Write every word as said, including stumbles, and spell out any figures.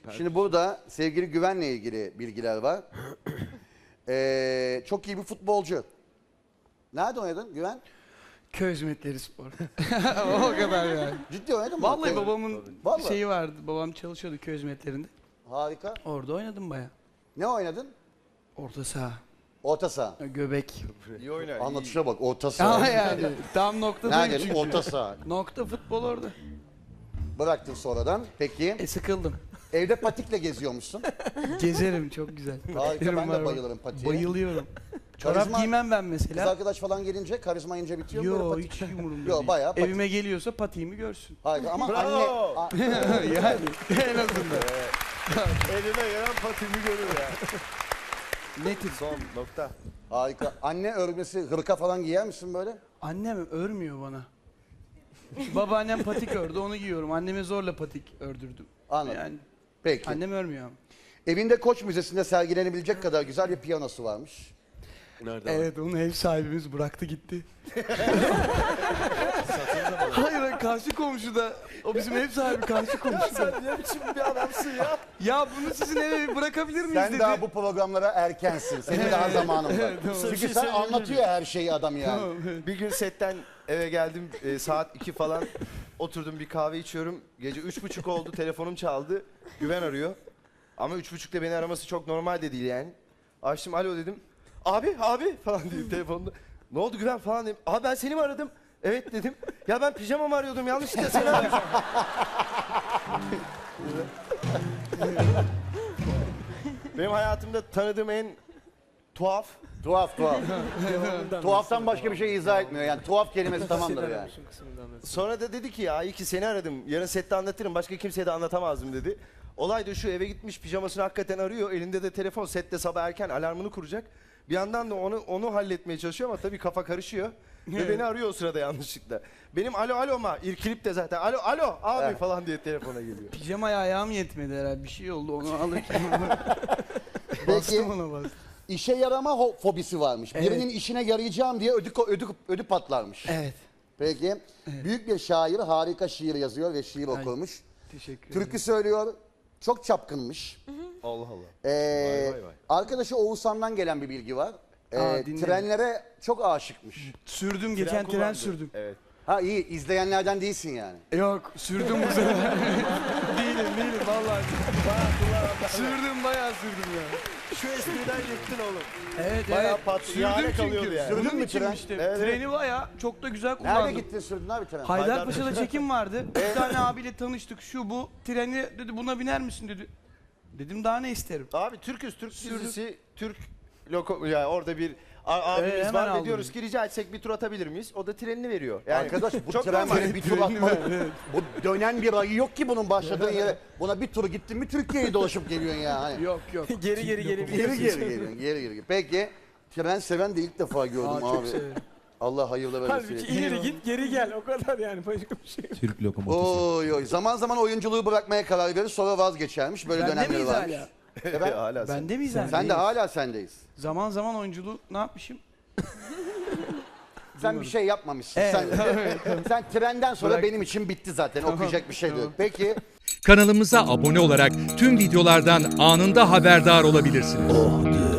Şimdi burada sevgili Güven'le ilgili bilgiler var. Ee, çok iyi bir futbolcu. Nerede oynadın Güven? Köy Hizmetleri Spor. O kadar yani. Ciddi oynadın mı? Vallahi Tabii. babamın Vallahi. şeyi vardı. Babam çalışıyordu köy hizmetlerinde. Harika. Orada oynadım baya. Ne oynadın? Orta saha, Orta saha. göbek. İyi oynar. Anlatışa bak, orta saha. Ama yani tam noktadayım Nerede? çünkü. Orta saha. Nokta futbol orada. Bıraktın sonradan. Peki. E sıkıldım. Evde patikle geziyormuşsun. Gezerim çok güzel. Harika, ben de Var var. bayılırım patiğe. Bayılıyorum. Çorap Karizma- giymem ben Kız mesela. arkadaş falan gelince, karizma ince bitiyor mu böyle Yo patik? hiç umurumda Yo, değil. bayağı patik. Evime geliyorsa patiğimi görsün. Harika ama Bravo. anne... Yani en azından. Elime gelen patimi görür ya. Netim. Son nokta. Harika. Anne örgüsü, hırka falan giyer misin böyle? Annem örmüyor bana. Babaannem patik ördü onu giyiyorum. Anneme zorla patik ördürdüm. Anladım. Yani Peki. annem örmüyor ama. Evinde Koç Müzesi'nde sergilenebilecek kadar güzel bir piyanosu varmış. Nerede? Evet onu ev sahibimiz bıraktı gitti. Hayır hayır, karşı komşuda. O bizim ev sahibi karşı komşuda. Ne biçim bir adamsın ya? Ya bunu sizin eve bırakabilir miyiz Sen dedi. daha bu programlara erkensin. Senin daha zamanın var. tamam. Çünkü Bir şey sen söyleyebilir anlatıyor her şeyi adam yani. Tamam, evet. Bir gün setten eve geldim e, saat iki falan oturdum bir kahve içiyorum. Gece üç buçuk oldu telefonum çaldı. Güven arıyor. Ama üç buçukta beni araması çok normal de değil yani. Açtım alo dedim. Abi abi falan diyor telefonda. Ne oldu Güven falan dedim. Abi ben seni mi aradım? Evet dedim. Ya ben pijamamı arıyordum yanlışlıkla seni aradım. Benim hayatımda tanıdığım en tuhaf Tuhaf tuhaf. Tuhaftan başka bir şey izah etmiyor. Yani tuhaf kelimesi tamamdır yani. Sonra da dedi ki ya iyi ki seni aradım. Yarın sette anlatırım. Başka kimseye de anlatamazdım dedi. Olay da şu eve gitmiş pijamasını hakikaten arıyor. Elinde de telefon sette sabah erken alarmını kuracak. Bir yandan da onu onu halletmeye çalışıyor ama tabii kafa karışıyor. Ve beni arıyor o sırada yanlışlıkla. Benim alo alo ma irkilip de zaten alo alo abi Evet. falan diye telefona geliyor. Pijamaya ayağım yetmedi herhalde. Bir şey oldu onu alırken. Peki Bastım ona bastım. işe yarama ho- fobisi varmış. Evet. Birinin işine yarayacağım diye ödü, ko- ödü, ödü patlarmış. Evet. Peki büyük bir şair harika şiir yazıyor ve şiir okurmuş. Teşekkür ederim. Türkü söylüyor. Çok çapkınmış. Allah Allah. Ee, Vay, vay, vay. Arkadaşı Oğuzhan'dan gelen bir bilgi var. Ee, Aa, dinledim. trenlere çok aşıkmış. Sürdüm geçen tren kullandı. sürdüm. Evet. Ha iyi, izleyenlerden değilsin yani. Yok sürdüm bu sefer. değilim değilim vallahi. Sürdüm bayağı sürdüm ya. Şu espriden yıktın oğlum. Evet Bayağı evet. pat- Sürdüm yâre çünkü. kalıyordu yani. Sürdün Bunun mü için tren? işte. Evet, Treni bayağı çok da güzel kullandım. Nerede gittin sürdün abi tren? Haydarpaşa'da çekim vardı. Bir tane abiyle tanıştık. Şu bu treni dedi buna biner misin dedi. Dedim daha ne isterim. Abi Türküz Türk dizisi Türk loko yani orada bir a- abimiz Evet, hemen var ve aldım. diyoruz ki rica etsek bir tur atabilir miyiz? O da trenini veriyor. Yani Arkadaş bu çok tren normal. böyle bir tur atmalı. Bu dönen bir ayı yok ki bunun başladığı yere. Buna bir tur gittin mi Türkiye'yi dolaşıp geliyorsun ya. Hani. Yok yok. geri geri geri Geri geri geliyorsun, geri geri. Peki tren seven de ilk defa gördüm Aa, çok abi. severim. Allah hayırlı Halbuki versin. ileri git geri gel o kadar yani başka bir şey yok. Türk lokomotifi. Oy oy. Zaman zaman oyunculuğu bırakmaya karar verir sonra vazgeçermiş. Böyle Bende dönemleri miyiz varmış. hala? Efendim? Hala sen. Bende miyiz hala? Sen de hala sendeyiz. Zaman zaman oyunculuğu ne yapmışım? Sen bir şey yapmamışsın. Evet, Sen, sen trenden sonra Bırak. benim için bitti zaten. Okuyacak bir şey de yok. Peki. Kanalımıza abone olarak tüm videolardan anında haberdar olabilirsiniz.